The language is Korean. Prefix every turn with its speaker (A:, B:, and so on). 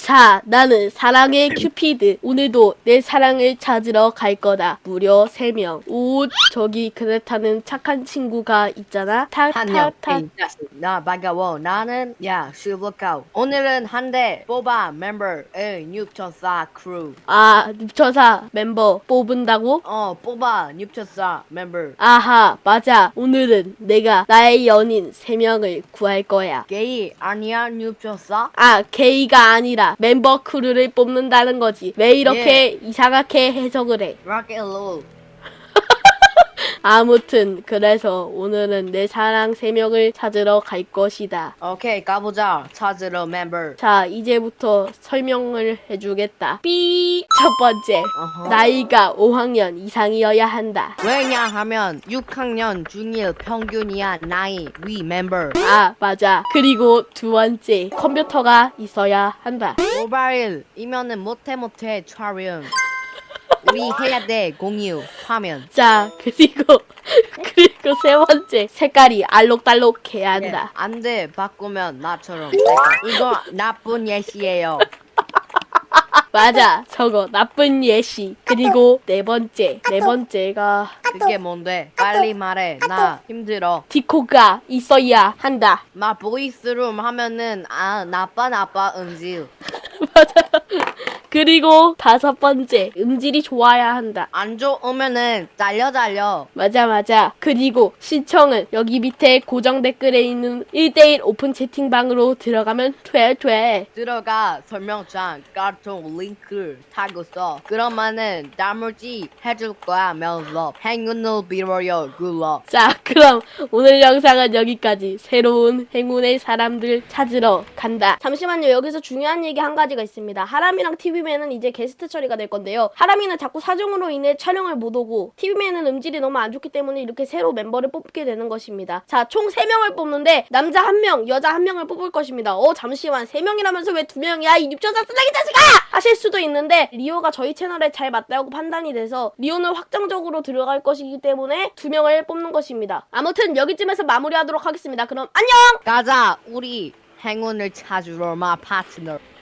A: 자, 나는 사랑의 큐피드. 오늘도 내 사랑을 찾으러 갈 거다. 무려 3명. 오, 저기 그렇다는 착한 친구가 있잖아.
B: 한영,
A: 타타타.
B: 이 자식. 나 반가워. 나는 슈블카우. 오늘은 한 대 뽑아 멤버의 6천사 크루.
A: 아, 눕혀사 멤버 뽑은다고?
B: 뽑아 6천사 멤버.
A: 아하, 맞아. 오늘은 내가 나의 연인 3명을 구할 거야.
B: 게이 아니야 6천사?
A: 아, 게이가 아니라 멤버 크루를 뽑는다는 거지. 왜 이렇게 이상하게 해석을 해?
B: 락앤롤.
A: 아무튼 그래서 오늘은 내 사랑 3명을 찾으러 갈 것이다.
B: 오케이 가보자. 찾으러 멤버.
A: 자, 이제부터 설명을 해주겠다. 삐! 첫 번째,
B: 어허.
A: 나이가 5학년 이상이어야 한다.
B: 왜냐하면 6학년 중1 평균이야 나이 위 멤버.
A: 아, 맞아. 그리고 두 번째, 컴퓨터가 있어야 한다.
B: 모바일이면은 못해 촬영. 우리 해야 돼 공유 화면.
A: 자, 그리고 세 번째, 색깔이 알록달록해야 한다.
B: 안돼 바꾸면 나처럼. 이거 나쁜 예시예요.
A: 맞아, 저거 나쁜 예시. 그리고 네 번째가
B: 그게 뭔데? 빨리 말해. 나 힘들어.
A: 디코가 있어야 한다.
B: 나 보이스룸 하면은 나빠 음질.
A: 맞아. 그리고 5번째, 음질이 좋아야 한다.
B: 안 좋으면은 달려.
A: 맞아. 그리고 신청은 여기 밑에 고정 댓글에 있는 1대1 오픈 채팅방으로 들어가면 돼.
B: 들어가 설명창 카톡 링크 타고서 그러면은 단물지 해줄 거야 면서 행운을 빌어요 굿럭.
A: 자, 그럼 오늘 영상은 여기까지. 새로운 행운의 사람들 찾으러 간다. 잠시만요. 여기서 중요한 얘기 한 가지가 있습니다. 하람이랑 TV맨은 이제 게스트 처리가 될 건데요. 하람이는 자꾸 사정으로 인해 촬영을 못 오고 TV맨은 음질이 너무 안 좋기 때문에 이렇게 새로 멤버를 뽑게 되는 것입니다. 자, 총 3명을 뽑는데 남자 1명, 여자 1명을 뽑을 것입니다. 잠시만. 3명이라면서 왜 2명이야? 이 닙조사 쓰레기 자식아! 하실 수도 있는데 리오가 저희 채널에 잘 맞다고 판단이 돼서 리오는 확정적으로 들어갈 것이기 때문에 2명을 뽑는 것입니다. 아무튼 여기쯤에서 마무리하도록 하겠습니다. 그럼 안녕!
B: 가자 우리 행운을 찾으러 마 파트너.